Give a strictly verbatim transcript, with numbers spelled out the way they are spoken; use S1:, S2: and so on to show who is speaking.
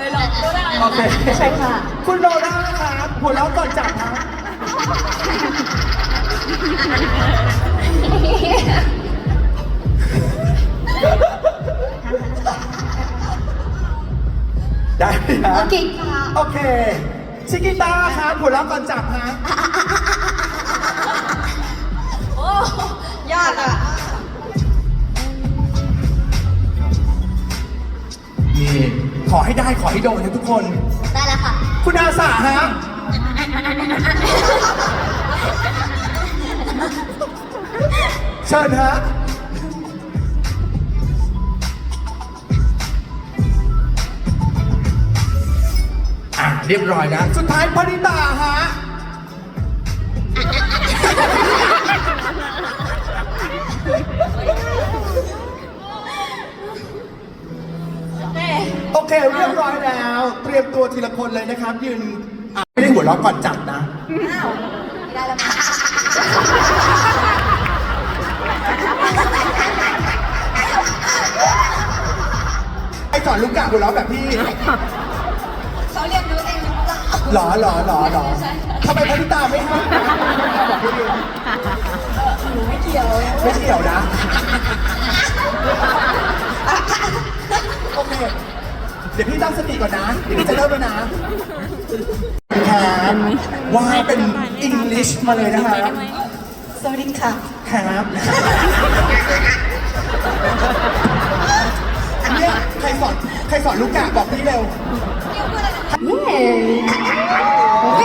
S1: เลยหรอกโดนอะไร
S2: โอเค
S3: ใช่ค่ะ
S2: คุณโดด้าครับหัวเราะก่อนจับครับได้ไหมครับ
S3: โอเคค่ะ
S2: โอเคชิกิต้าครับหัวเราะก่อนจับฮะ
S1: โอ้ยากอ่ะ
S2: นี่ขอให้ได้ขอให้โดนนะทุกคน
S3: ได้แล้วค่ะ
S2: คุณอาสาฮะเชิญฮะอ่ะเรียบร้อยนะ สุดท้ายพนิตาฮะ
S1: แม่
S2: โอเคเรียบร้อยแล้ว เตรียมตัวทีละคนเลยนะครับ ยืนอ่ะไม่ได้หัวเราะก่อนจับนะ
S1: อ้าวไม่ได้แล้วมั้ง
S2: ไอสอนลูกกะหัวเราะแบบพี่
S1: เขาเรียกรู้เองหรือเปล่า
S2: หรอหรอหรอหรอทำไมพนิตาไม่ให้บอกพี่ดิ
S1: หนูไม่เกี่ยว
S2: ไม่เกี่ยวนะ โอเค เดี๋ยวพี่ตั้งสติก่อนนะ เดี๋ยวพี่จะเริ่มแล้วนะแครับว่าเป็นอังกฤษมาเลยนะครับ
S1: สวัสดีค่ะ
S2: ครับอันเนี้ยใครสอนใครสอนลูกกะบอกพี่เร็ว
S3: เย้